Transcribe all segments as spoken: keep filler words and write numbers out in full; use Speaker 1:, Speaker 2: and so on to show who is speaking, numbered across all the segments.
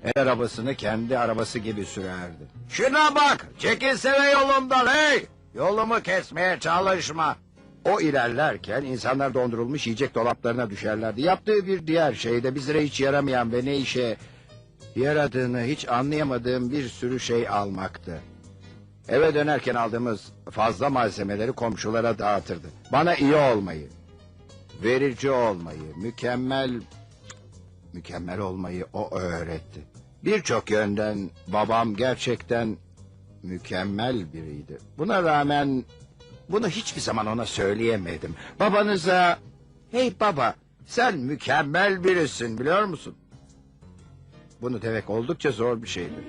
Speaker 1: El arabasını kendi arabası gibi sürerdi. Şuna bak, çekilsene yolumdan hey! Yolumu kesmeye çalışma. O ilerlerken insanlar dondurulmuş yiyecek dolaplarına düşerlerdi. Yaptığı bir diğer şey de bizlere hiç yaramayan ve ne işe yaradığını hiç anlayamadığım bir sürü şey almaktı. Eve dönerken aldığımız fazla malzemeleri komşulara dağıtırdı. Bana iyi olmayı, verici olmayı, mükemmel, mükemmel olmayı o öğretti. Birçok yönden babam gerçekten mükemmel biriydi. Buna rağmen bunu hiçbir zaman ona söyleyemedim. Babanıza, hey baba sen mükemmel birisin biliyor musun? Bunu demek oldukça zor bir şeydir.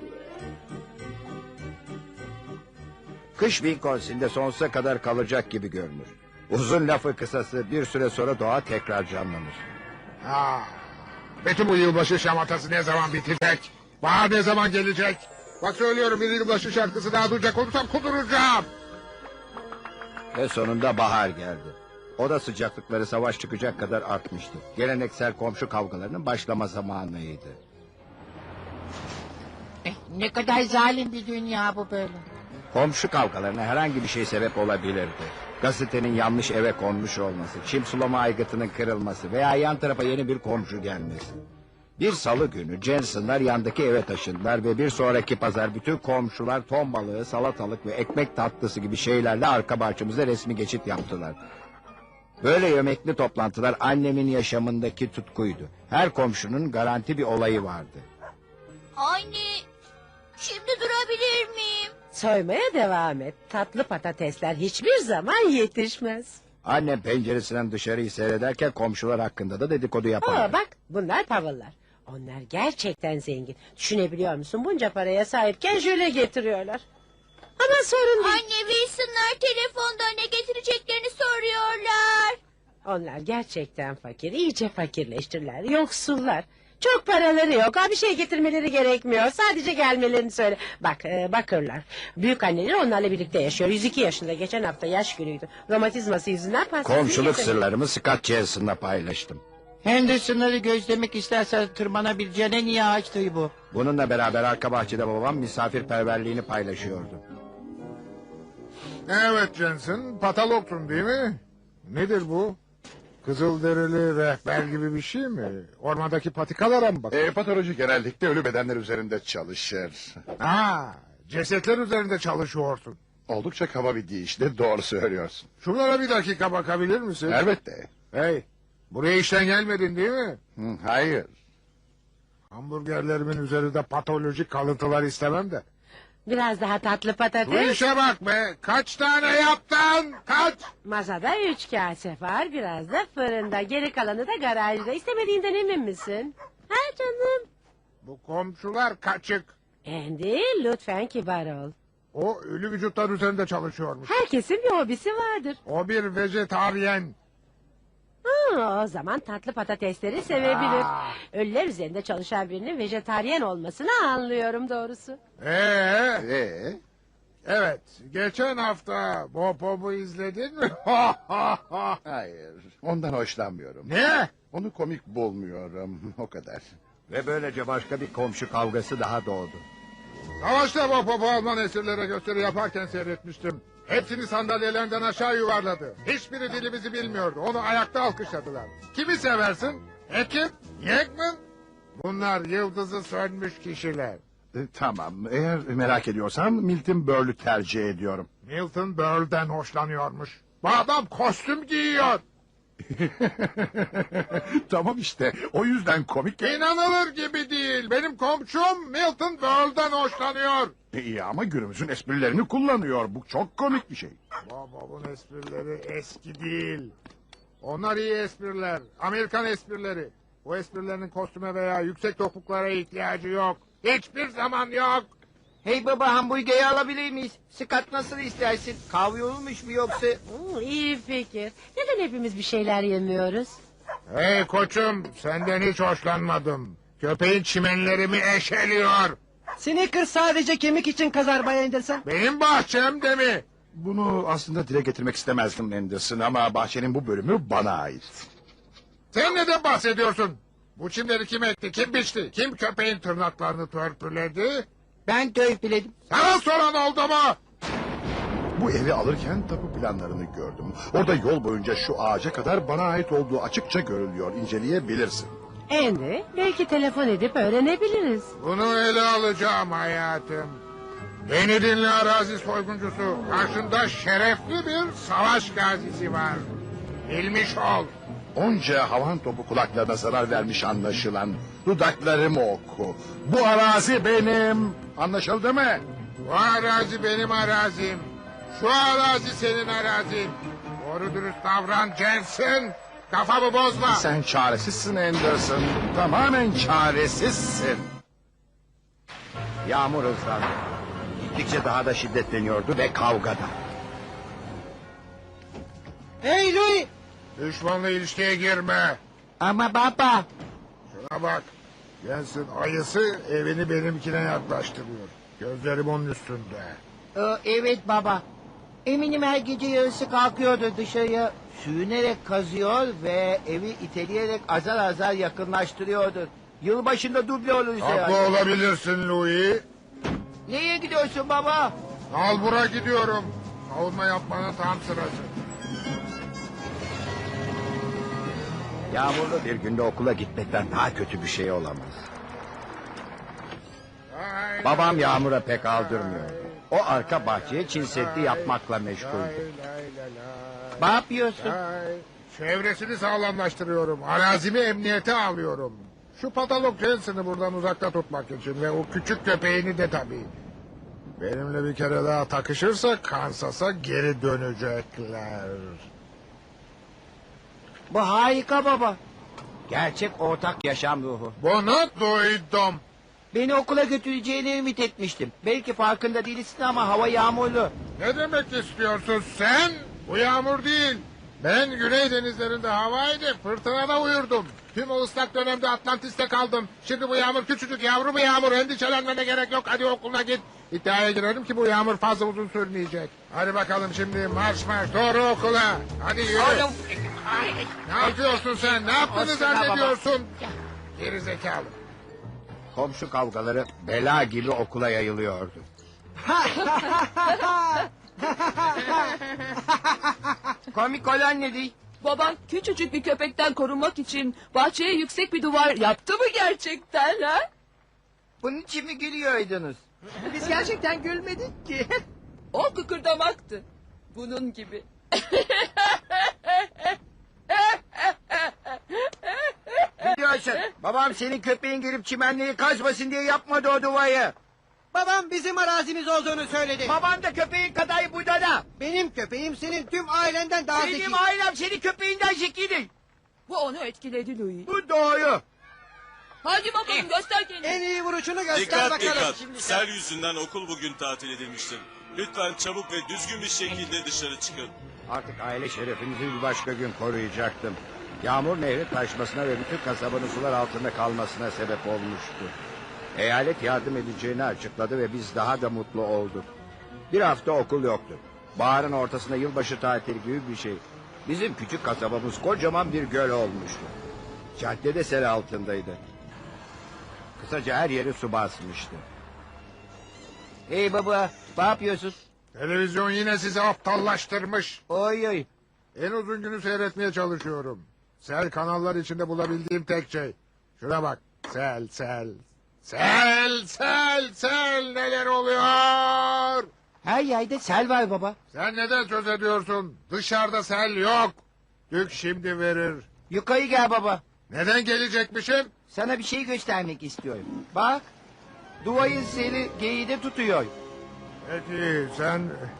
Speaker 1: Kış Wisconsin'de sonsuza kadar kalacak gibi görünür. Uzun lafı kısası bir süre sonra doğa tekrar canlanır.
Speaker 2: Ha, bütün bu yılbaşı şamatası ne zaman bitecek? Bahar ne zaman gelecek? Bak söylüyorum bir yılbaşı şarkısı daha duyacak olursam kuduracağım.
Speaker 1: Ve sonunda bahar geldi. Oda sıcaklıkları savaş çıkacak kadar artmıştı. Geleneksel komşu kavgalarının başlama zamanıydı.
Speaker 3: Eh, ne kadar zalim bir dünya bu böyle.
Speaker 1: Komşu kavgalarına herhangi bir şey sebep olabilirdi. Gazetenin yanlış eve konmuş olması, çim sulama aygıtının kırılması veya yan tarafa yeni bir komşu gelmesi. Bir salı günü Jensen'lar yandaki eve taşındılar ve bir sonraki pazar bütün komşular ton balığı, salatalık ve ekmek tatlısı gibi şeylerle arka bahçemizde resmi geçit yaptılar. Böyle yemekli toplantılar annemin yaşamındaki tutkuydu. Her komşunun garanti bir olayı vardı.
Speaker 4: Anne, şimdi durabilir miyim?
Speaker 5: Soymaya devam et. Tatlı patatesler hiçbir zaman yetişmez.
Speaker 1: Annem penceresinden dışarıyı seyrederken komşular hakkında da dedikodu yapardı.
Speaker 5: Aa, bak bunlar tavırlar. Onlar gerçekten zengin. Düşünebiliyor musun? Bunca paraya sahipken jöle getiriyorlar. Ama sorun değil.
Speaker 4: Anne, Wilson'lar telefonda ne getireceklerini soruyorlar.
Speaker 5: Onlar gerçekten fakir. İyice fakirleştiler. Yoksullar. Çok paraları yok. Ha, bir şey getirmeleri gerekmiyor. Sadece gelmelerini söyle. Bak e, bakırlar. Büyük anneleri onlarla birlikte yaşıyor. yüz iki yaşında. Geçen hafta yaş günüydü. Romatizması yüzünden pastasını
Speaker 1: Komşuluk
Speaker 5: getirdi.
Speaker 1: sırlarımı Scott Jensen'la paylaştım.
Speaker 3: Henderson'ları gözlemek istersen tırmanabileceğine niye ağaçtı bu?
Speaker 1: Bununla beraber arka bahçede babam misafirperverliğini paylaşıyordu.
Speaker 2: Evet Jensen, patologtun değil mi? Nedir bu? Kızılderili rehber gibi bir şey mi? Ormandaki patikalara mı bak?
Speaker 6: E, patoloji genellikle ölü bedenler üzerinde çalışır.
Speaker 2: Ha, cesetler üzerinde çalışıyorsun.
Speaker 6: Oldukça kaba bir deyişle doğru söylüyorsun.
Speaker 2: Şunlara bir dakika bakabilir misin?
Speaker 6: Elbette.
Speaker 2: Hey, buraya işten gelmedin değil mi?
Speaker 6: Hı, hayır.
Speaker 2: Hamburgerlerimin üzerinde patolojik kalıntılar istemem de.
Speaker 5: Biraz daha tatlı
Speaker 2: Bu
Speaker 5: patates.
Speaker 2: işe bak be! Kaç tane yaptın? Kaç?
Speaker 5: Masada üç kase var. Biraz da fırında. Geri kalanı da garajda. İstemediğinden emin misin? Ha canım.
Speaker 2: Bu komşular kaçık.
Speaker 5: Andy lütfen kibar ol.
Speaker 2: O ölü vücutlar üzerinde çalışıyormuş.
Speaker 5: Herkesin bir hobisi vardır.
Speaker 2: O bir vejetaryen.
Speaker 5: Ha, o zaman tatlı patatesleri sevebilir.
Speaker 2: Aa.
Speaker 5: Ölüler üzerinde çalışan birinin vejetaryen olmasını anlıyorum doğrusu.
Speaker 2: Ee,
Speaker 6: E,
Speaker 2: evet. Geçen hafta Bopop'u izledin mi?
Speaker 6: hayır. Ondan hoşlanmıyorum.
Speaker 2: Ne?
Speaker 6: Onu komik bulmuyorum. O kadar.
Speaker 1: Ve böylece başka bir komşu kavgası daha doğdu.
Speaker 2: Savaşta Bopop'u Alman esirlere gösteri yaparken seyretmiştim. Hepsini sandalyelerinden aşağı yuvarladı. Hiçbiri dilimizi bilmiyordu. Onu ayakta alkışladılar. Kimi seversin? Ekim? Yekmin? Bunlar yıldızı sönmüş kişiler.
Speaker 6: E, tamam. Eğer merak ediyorsan Milton Berle'ü tercih ediyorum.
Speaker 2: Milton Berle'den hoşlanıyormuş. Bu adam kostüm giyiyor.
Speaker 6: Tamam işte. O yüzden komik.
Speaker 2: İnanılır gibi değil. Benim komşum Milton Berle'den hoşlanıyor.
Speaker 6: İyi ama günümüzün esprilerini kullanıyor. Bu çok komik bir şey.
Speaker 2: Babamın esprileri eski değil. Onlar iyi espriler. Amerikan esprileri. Bu esprilerin kostüme veya yüksek topuklara ihtiyacı yok. Hiçbir zaman yok.
Speaker 3: Hey baba, hamburgeri alabilir miyiz? Scott nasıl istersin? Kahve olmuş mu yoksa?
Speaker 5: Hmm, iyi fikir. Neden hepimiz bir şeyler yemiyoruz?
Speaker 2: Hey koçum, senden hiç hoşlanmadım. Köpeğin çimenlerimi eşeliyor.
Speaker 3: Snickers sadece kemik için kazar Bay Henderson.
Speaker 2: Benim bahçemde mi?
Speaker 6: Bunu aslında dile getirmek istemezdim Anderson ama bahçenin bu bölümü bana ait.
Speaker 2: Sen neden bahsediyorsun? Bu çimleri kim ekti, kim biçti? Kim köpeğin tırnaklarını törpüledi?
Speaker 3: Ben törpüledim.
Speaker 2: Sana soran oldu mu?
Speaker 6: Bu evi alırken tapu planlarını gördüm. Orada yol boyunca şu ağaca kadar bana ait olduğu açıkça görülüyor. İnceleyebilirsin.
Speaker 5: Andy, belki telefon edip öğrenebiliriz.
Speaker 2: Bunu ele alacağım hayatım. Beni dinle arazi soyguncusu. Karşında şerefli bir savaş gazisi var. Bilmiş ol.
Speaker 6: Onca havan topu kulaklarına zarar vermiş anlaşılan. Dudaklarımı oku. Bu arazi benim. Anlaşıldı mı?
Speaker 2: Bu arazi benim arazim. Şu arazi senin arazin. Doğru dürüst davran Jensen. Kafamı bozma.
Speaker 6: Sen çaresizsin Anderson. Tamamen çaresizsin.
Speaker 1: Yağmur hızlandı. Gittikçe daha da şiddetleniyordu ve kavgada.
Speaker 3: Hey Louis.
Speaker 2: Düşmanla ilişkiye girme.
Speaker 3: Ama baba.
Speaker 2: Şuna bak. Jensen ayısı evini benimkine yaklaştırıyor. Gözlerim onun üstünde.
Speaker 3: Ee, evet baba. Eminim her gece yarısı kalkıyordu dışarıya. Sürünerek kazıyor ve evi iteleyerek azar azar yakınlaştırıyordu. Yılbaşında duble oluruz
Speaker 2: Haklı
Speaker 3: herhalde.
Speaker 2: olabilirsin Louis.
Speaker 3: Nereye gidiyorsun baba?
Speaker 2: Nalbur'a gidiyorum. Savunma yapmanın tam sırası.
Speaker 1: Yağmurlu bir günde okula gitmekten daha kötü bir şey olamaz.
Speaker 2: Lay
Speaker 1: Babam
Speaker 2: lay
Speaker 1: Yağmur'a pek
Speaker 2: lay
Speaker 1: aldırmıyor. O arka bahçeye çin seddi yapmakla meşguldü.
Speaker 2: lay lay lay
Speaker 3: Ne yapıyorsun?
Speaker 2: lay. Çevresini sağlamlaştırıyorum. Arazimi emniyete alıyorum. Şu patalok Jensen'ı buradan uzakta tutmak için ve o küçük köpeğini de tabii. Benimle bir kere daha takışırsa Kansas'a geri dönecekler.
Speaker 3: Bu harika baba. Gerçek ortak yaşam ruhu.
Speaker 2: Bunu duydum.
Speaker 3: Beni okula götüreceğini ümit etmiştim. Belki farkında değilsin ama hava yağmurlu.
Speaker 2: Ne demek istiyorsun sen? Bu yağmur değil. Ben Güney denizlerinde havaydı, fırtınada uyurdum. Tüm o ıslak dönemde Atlantis'te kaldım. Şimdi bu yağmur küçücük yavru bir yağmur. Endişelenmene gerek yok. Hadi okuluna git. İddiaya girerim ki bu yağmur fazla uzun sürmeyecek. Hadi bakalım şimdi marş marş doğru okula. Hadi yürü. Ne yapıyorsun sen? Ne yaptığını
Speaker 3: Olsun ha baba.
Speaker 2: zannediyorsun? Geri zekalı.
Speaker 1: Komşu kavgaları bela gibi okula yayılıyordu.
Speaker 3: Komik olan ne değil?
Speaker 7: Baban küçücük bir köpekten korunmak için bahçeye yüksek bir duvar yaptı mı gerçekten ha?
Speaker 3: Bunun için mi gülüyordunuz? Biz gerçekten gülmedik ki.
Speaker 7: O kıkırdamaktı. Bunun gibi.
Speaker 3: Biliyorsun babam senin köpeğin gelip çimenliği kazmasın diye yapmadı o duvarı.
Speaker 8: Babam bizim arazimiz olduğunu söyledi.
Speaker 3: Baban da köpeğin kadar budala.
Speaker 8: Benim köpeğim senin tüm ailenden daha zeki.
Speaker 3: Benim ailem senin köpeğinden zekidir.
Speaker 7: Bu onu etkiledi Louis.
Speaker 3: Bu doğru.
Speaker 7: Hadi bakalım göster kendini.
Speaker 8: En iyi vuruşunu göster
Speaker 9: Dikkat
Speaker 8: bakalım.
Speaker 9: dikkat.
Speaker 8: Şimdi
Speaker 9: Sel yüzünden okul bugün tatil edilmiştir. Lütfen çabuk ve düzgün bir şekilde dışarı çıkın.
Speaker 1: Artık aile şerefimizi bir başka gün koruyacaktım. Yağmur nehri taşmasına ve bütün kasabanın sular altında kalmasına sebep olmuştu. Eyalet yardım edeceğini açıkladı ve biz daha da mutlu olduk. Bir hafta okul yoktu. Baharın ortasında yılbaşı tatili gibi bir şey. Bizim küçük kasabamız kocaman bir göl olmuştu. Caddede sel altındaydı. Kısaca her yeri su basmıştı.
Speaker 3: Hey baba ne yapıyorsun?
Speaker 2: Televizyon yine sizi aptallaştırmış.
Speaker 3: Oy oy.
Speaker 2: En uzun günü seyretmeye çalışıyorum. Sel kanallar içinde bulabildiğim tek şey. Şuna bak. Sel, sel. Sel, sel, sel. Neler oluyor?
Speaker 3: Her yerde sel var baba.
Speaker 2: Sen neden söz ediyorsun? Dışarıda sel yok. Dük şimdi verir.
Speaker 3: Yukarı gel baba.
Speaker 2: Neden gelecekmişim?
Speaker 3: Sana bir şey göstermek istiyorum. Bak. Duvarın seni geride tutuyor.
Speaker 2: Peki sen...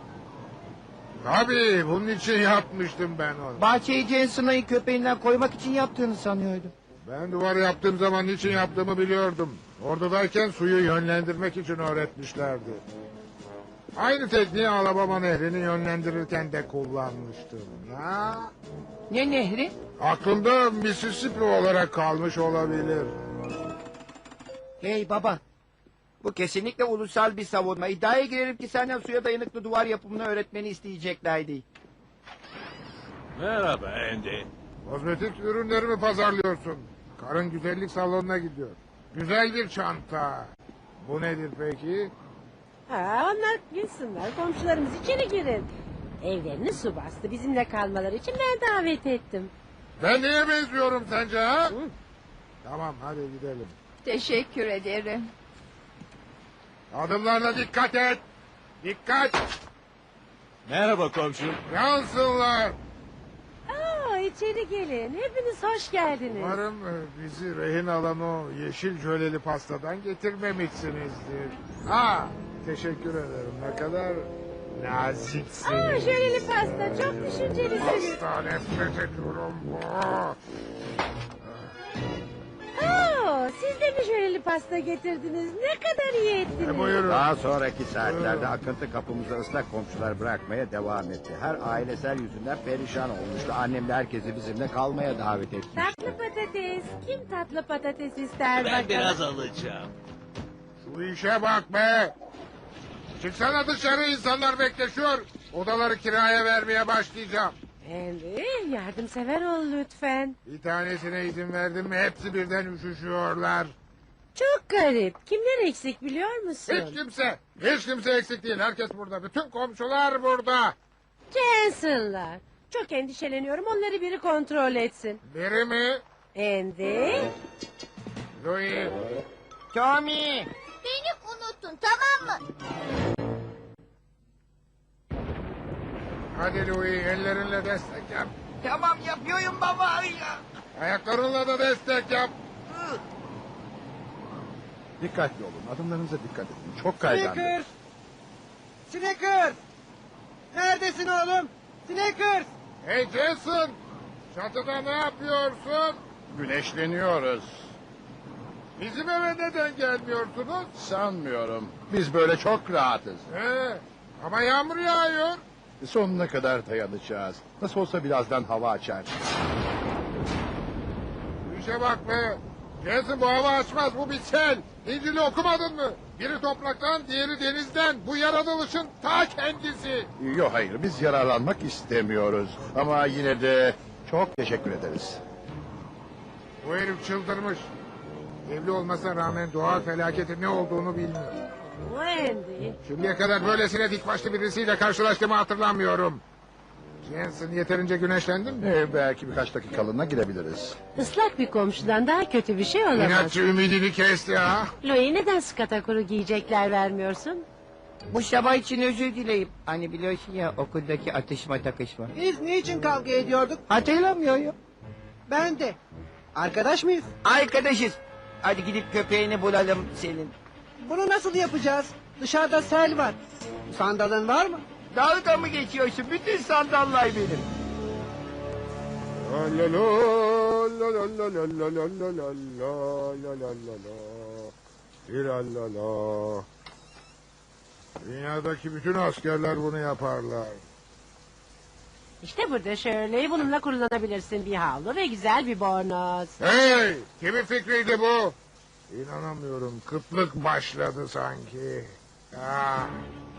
Speaker 2: Tabii bunun için yapmıştım ben onu.
Speaker 3: Bahçeyi Jensen'ın köpeğinden koymak için yaptığını sanıyordum.
Speaker 2: Ben duvarı yaptığım zaman niçin yaptığımı biliyordum. Ordudayken suyu yönlendirmek için öğretmişlerdi. Aynı tekniği Alabama nehrini yönlendirirken de kullanmıştım. Ya.
Speaker 3: Ne nehri?
Speaker 2: Aklımda Mississippi olarak kalmış olabilir.
Speaker 3: Hey baba. Bu kesinlikle ulusal bir savunma. İddiaya girerim ki senden suya dayanıklı duvar yapımını öğretmeni isteyeceklerdi.
Speaker 10: Merhaba Andy.
Speaker 2: Kozmetik ürünlerimi pazarlıyorsun. Karın güzellik salonuna gidiyor. Güzel bir çanta. Bu nedir peki?
Speaker 5: Ha, onlar gitsinler. Komşularımız içeri girin. Evlerini su bastı. Bizimle kalmaları için ben davet ettim.
Speaker 2: Ben neye benziyorum sence ha? Tamam hadi gidelim.
Speaker 7: Teşekkür ederim.
Speaker 2: Adımlarına dikkat et. Dikkat.
Speaker 9: Merhaba komşum.
Speaker 2: Yansınlar.
Speaker 5: Aa, içeri gelin. Hepiniz hoş geldiniz.
Speaker 2: Umarım e, bizi rehin alan o yeşil jöleli pastadan getirmemişsinizdir. Ha, teşekkür ederim. Ne kadar naziksiniz.
Speaker 5: Aa, şöyle pasta. Çok düşüncelisiniz.
Speaker 2: Pasta nefret ediyorum.
Speaker 5: Aa, siz de mi şöyle pasta getirdiniz? Ne kadar iyi ettiniz.
Speaker 2: E, buyurun.
Speaker 1: Daha sonraki saatlerde akıntı kapımıza ıslak komşular bırakmaya devam etti. Her ailesel yüzünden perişan olmuştu. Annem de herkesi bizimle kalmaya davet etti.
Speaker 5: Tatlı patates. Kim tatlı patates ister
Speaker 9: Ben
Speaker 5: bakalım?
Speaker 9: biraz alacağım.
Speaker 2: Şu işe bak be. Çıksana dışarı, insanlar bekleşiyor. Odaları kiraya vermeye başlayacağım.
Speaker 5: Henry, yardımsever ol lütfen.
Speaker 2: Bir tanesine izin verdim mi hepsi birden üşüşüyorlar.
Speaker 5: Çok garip. Kimler eksik biliyor musun?
Speaker 2: Hiç kimse, hiç kimse eksik değil. Herkes burada. Bütün komşular burada.
Speaker 5: Cancel'lar. Çok endişeleniyorum. Onları biri kontrol etsin.
Speaker 2: Biri mi?
Speaker 5: Andy.
Speaker 2: Louis.
Speaker 3: Tommy.
Speaker 4: Beni unuttun tamam mı?
Speaker 2: Hadi Louis, ellerinle destek yap.
Speaker 3: Tamam yapıyorum baba.
Speaker 2: Ayaklarınla da destek yap.
Speaker 6: Dikkatli olun. Adımlarınıza dikkat edin. Çok kaygandı.
Speaker 8: Snickers. Snickers. Neredesin oğlum? Snickers.
Speaker 2: Hey Jason, çatıda ne yapıyorsun?
Speaker 6: Güneşleniyoruz.
Speaker 2: Bizim eve neden gelmiyorsunuz?
Speaker 6: Sanmıyorum. Biz böyle çok rahatız.
Speaker 2: He, ama yağmur yağıyor.
Speaker 6: Sonuna kadar dayanacağız. Nasıl olsa birazdan hava açar.
Speaker 2: Bu işe bak be. Jason bu hava açmaz, bu bir sel. İncil'i okumadın mı? Biri topraktan, diğeri denizden. Bu yaratılışın ta kendisi.
Speaker 6: Yok hayır, biz yararlanmak istemiyoruz. Ama yine de çok teşekkür ederiz.
Speaker 2: Bu herif çıldırmış. Evli olmasına rağmen doğal felaketin ne olduğunu bilmiyor.
Speaker 5: Andy.
Speaker 2: Şimdiye kadar böylesine dik başlı birisiyle karşılaştığımı hatırlamıyorum. Jensen yeterince güneşlendin mi?
Speaker 6: Ee, belki birkaç dakikalığına girebiliriz.
Speaker 5: Islak bir komşudan daha kötü bir şey olamaz.
Speaker 2: İnatçı ümidini kesti ha.
Speaker 5: Louis, neden skatakuru giyecekler vermiyorsun?
Speaker 3: Bu sabah için özür dileyip. Hani biliyorsun ya okuldaki atışma takışma.
Speaker 8: Biz niçin kavga ediyorduk?
Speaker 3: Hatırlamıyorum.
Speaker 8: Ben de. Arkadaş mıyız?
Speaker 3: Arkadaşız. Hadi gidip köpeğini bulalım senin.
Speaker 8: Bunu nasıl yapacağız? Dışarıda sel var. Sandalın var mı?
Speaker 3: Dalga mı geçiyorsun? Bütün sandallar benim.
Speaker 2: La la la la la la la la la la la la la la la. İrallala. Dünyadaki bütün askerler bunu yaparlar.
Speaker 5: İşte burada şöyle bununla kullanabilirsin bir havlu ve güzel bir bornoz.
Speaker 2: Hey! Kimin fikriydi bu? İnanamıyorum. Kıtlık başladı sanki. Ah.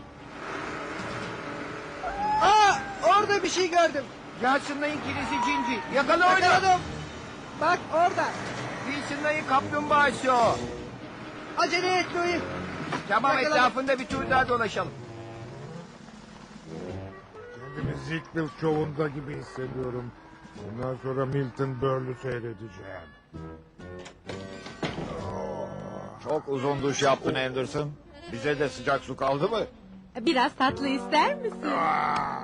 Speaker 8: Aa, orada bir şey gördüm.
Speaker 3: Johnson'ın kilisi cinci. Yakala onu.
Speaker 8: Yakaladım. Bak orada.
Speaker 3: Wilson'ın kaplumbağası o.
Speaker 8: Acele et Louis.
Speaker 3: Tamam
Speaker 8: Yakaladım.
Speaker 3: etrafında bir tur daha dolaşalım.
Speaker 2: Kendimi Ziegfeld şovunda gibi hissediyorum. Bundan sonra Milton Berle'ü seyredeceğim.
Speaker 1: Çok uzun duş yaptın Anderson. Bize de sıcak su kaldı mı?
Speaker 5: Biraz tatlı ister misin?
Speaker 2: Ah!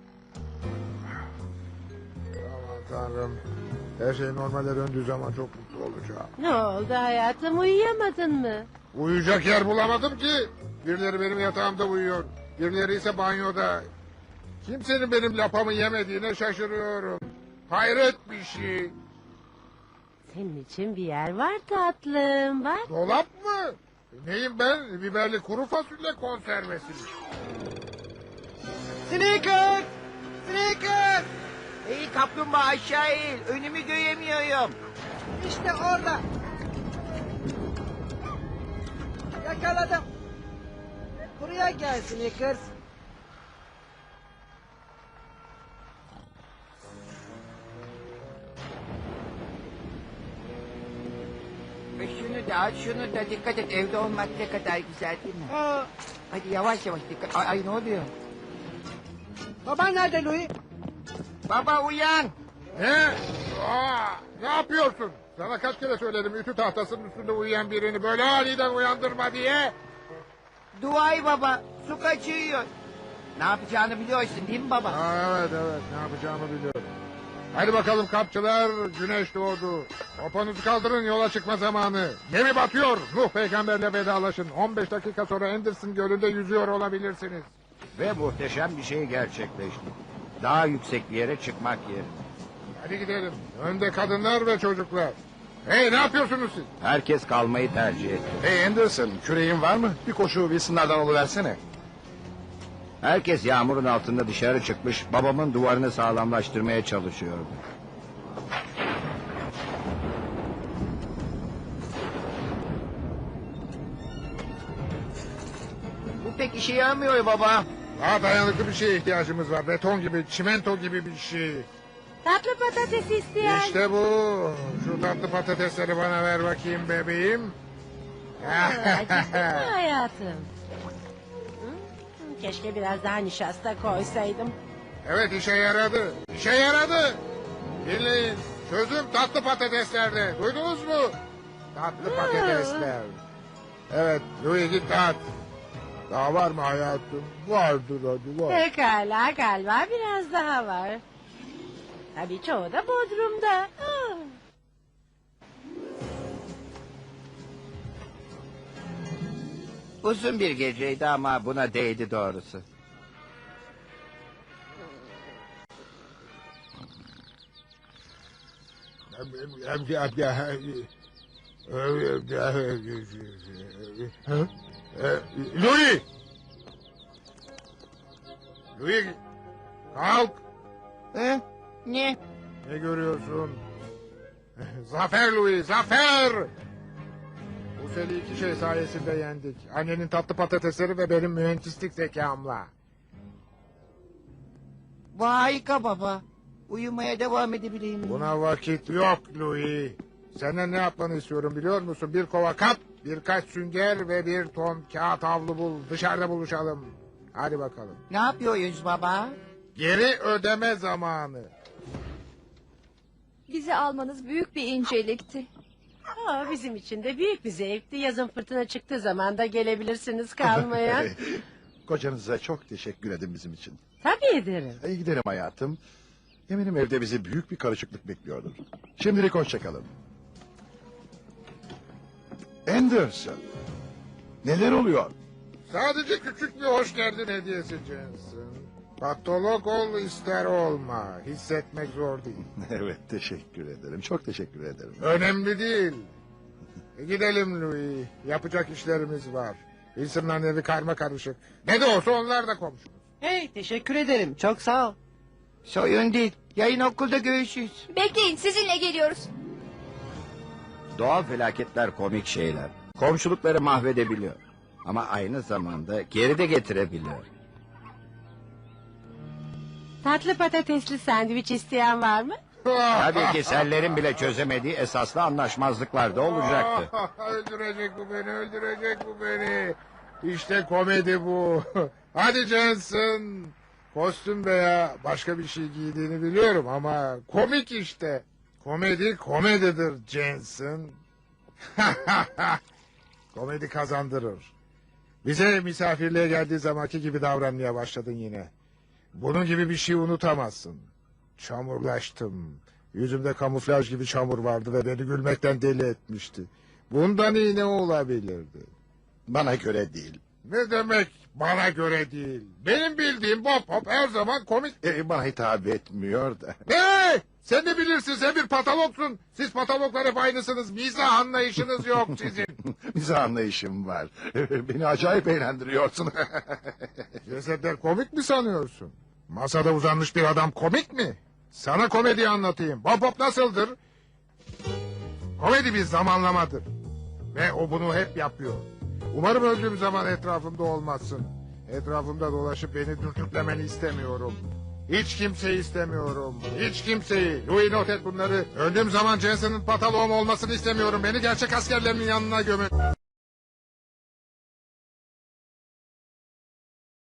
Speaker 2: Aman tanrım. Her şey normale döndüğü zaman çok mutlu olacağım.
Speaker 5: Ne oldu hayatım, uyuyamadın mı?
Speaker 2: Uyuyacak yer bulamadım ki. Birileri benim yatağımda uyuyor. Birileri ise banyoda. Kimsenin benim lapamı yemediğine şaşırıyorum. Hayret bir şey.
Speaker 5: Senin için bir yer var tatlım, bak.
Speaker 2: Dolap mı? Neyim ben? Biberli kuru fasulye konservesi.
Speaker 8: Snickers. Snickers.
Speaker 3: İyi kaplumbağa aşağı eğil. Önümü göremiyorum.
Speaker 8: İşte orada. Yakaladım. Buraya gel Snickers.
Speaker 3: Hadi aç şunu da dikkat et. Evde olmak ne kadar güzel değil mi? Hadi yavaş yavaş dikkat. Ay, ay ne oluyor?
Speaker 8: Baban nerede Louis?
Speaker 3: Baba uyan.
Speaker 2: Ne? Aa, ne yapıyorsun? Sana kaç kere söyledim ütü tahtasının üstünde uyuyan birini böyle aniden uyandırma diye.
Speaker 3: Duay baba. Su kaçıyor. Ne yapacağını biliyorsun değil mi baba?
Speaker 2: Aa, evet evet ne yapacağımı biliyorum. Hadi bakalım kampçılar, güneş doğdu. Poponuzu kaldırın, yola çıkma zamanı. Gemi batıyor. Nuh peygamberle vedalaşın. on beş dakika sonra Anderson Gölü'nde yüzüyor olabilirsiniz.
Speaker 1: Ve muhteşem bir şey gerçekleşti. Daha yüksek bir yere çıkmak yerine.
Speaker 2: Hadi gidelim. Önde kadınlar ve çocuklar. Hey, ne yapıyorsunuz siz?
Speaker 1: Herkes kalmayı tercih etti.
Speaker 6: Hey Anderson, küreğin var mı? Bir koşu Wilson'lardan oluversene.
Speaker 1: Herkes yağmurun altında dışarı çıkmış, babamın duvarını sağlamlaştırmaya çalışıyordu.
Speaker 3: Bu pek işe yaramıyor baba.
Speaker 2: Daha dayanıklı bir şeye ihtiyacımız var. Beton gibi, çimento gibi bir şey.
Speaker 5: Tatlı patates isteyen.
Speaker 2: İşte bu. Şu tatlı patatesleri bana ver bakayım bebeğim.
Speaker 5: Acıktın mı hayatım? Hı? Keşke biraz daha nişasta koysaydım.
Speaker 2: Evet, işe yaradı. İşe yaradı. Dinleyin. Çözüm tatlı patateslerde. Duydunuz mu? Tatlı patatesler. Evet, Louis git dağıt. Daha var mı hayatım? Vardır hadi var.
Speaker 5: Pekala galiba biraz daha var. Tabii çoğu da Bodrum'da. Ah.
Speaker 1: Uzun bir geceydi ama buna değdi doğrusu.
Speaker 2: Louis! Louis! Kalk!
Speaker 3: Hı? Ne?
Speaker 2: Ne görüyorsun? Zafer Louis, zafer! Bu seni iki şey sayesinde yendik. Annenin tatlı patatesleri ve benim mühendislik zekamla.
Speaker 3: Bu harika baba. Uyumaya devam edebileyim.
Speaker 2: Buna vakit yok Louis. Senden ne yapmanı istiyorum biliyor musun? Bir kova kap, birkaç sünger ve bir ton kağıt havlu bul. Dışarıda buluşalım. Hadi bakalım.
Speaker 3: Ne yapıyoruz baba?
Speaker 2: Geri ödeme zamanı.
Speaker 7: Bizi almanız büyük bir incelikti.
Speaker 5: Aa, bizim için de büyük bir zevkti. Yazın fırtına çıktığı zaman da gelebilirsiniz kalmaya.
Speaker 6: Kocanıza çok teşekkür edin bizim için.
Speaker 5: Tabii ederim.
Speaker 6: İyi gidelim hayatım. Eminim evde bizi büyük bir karışıklık bekliyordur. Şimdilik hoşçakalın. Anderson. Neler oluyor?
Speaker 2: Sadece küçük bir hoş geldin hediyesi Jensen. Patolog ol ister olma. Hissetmek zor değil.
Speaker 6: Evet teşekkür ederim. Çok teşekkür ederim.
Speaker 2: Önemli değil. E, gidelim Louis. Yapacak işlerimiz var. Wilson'ların evi karma karışık. Ne de olsa onlar da komşu.
Speaker 8: Hey teşekkür ederim. Çok sağ ol.
Speaker 3: Sorun değil. Yarın okulda görüşürüz.
Speaker 4: Bekleyin, sizinle geliyoruz.
Speaker 1: Doğal felaketler komik şeyler. Komşulukları mahvedebiliyor. Ama aynı zamanda geri de getirebiliyor.
Speaker 5: Tatlı patatesli sandviç isteyen var mı?
Speaker 1: Tabii ki sellerin bile çözemediği esaslı anlaşmazlıklar da olacaktı.
Speaker 2: Öldürecek bu beni, öldürecek bu beni. İşte komedi bu. Hadi Jensen. Kostüm veya başka bir şey giydiğini biliyorum ama komik işte. Komedi komedidir Jensen. Komedi kazandırır. Bize misafirliğe geldiği zamanki gibi davranmaya başladın yine. Bunun gibi bir şey unutamazsın. Çamurlaştım. Yüzümde kamuflaj gibi çamur vardı ve beni gülmekten deli etmişti. Bundan iyi ne olabilirdi?
Speaker 6: Bana göre değil.
Speaker 2: Ne demek bana göre değil? Benim bildiğim Bob Hop her zaman komik.
Speaker 6: Ee, bana hitap etmiyor da.
Speaker 2: Ne? Sen de bilirsin, sen bir patologsun. Siz patologlar hep aynısınız. Mizah anlayışınız yok sizin.
Speaker 6: Bize anlayışım var. Beni acayip eğlendiriyorsun.
Speaker 2: Cesetler komik mi sanıyorsun? Masada uzanmış bir adam komik mi? Sana komedi anlatayım. Bob Hop nasıldır? Komedi bir zamanlamadır. Ve o bunu hep yapıyor. Umarım öldüğüm zaman etrafımda olmazsın. Etrafımda dolaşıp beni dürtüklemeni istemiyorum. Hiç kimseyi istemiyorum. Hiç kimseyi. Louis not et bunları. Öldüğüm zaman Jensen'ın pataloğum olmasını istemiyorum. Beni gerçek askerlerimin yanına gömün.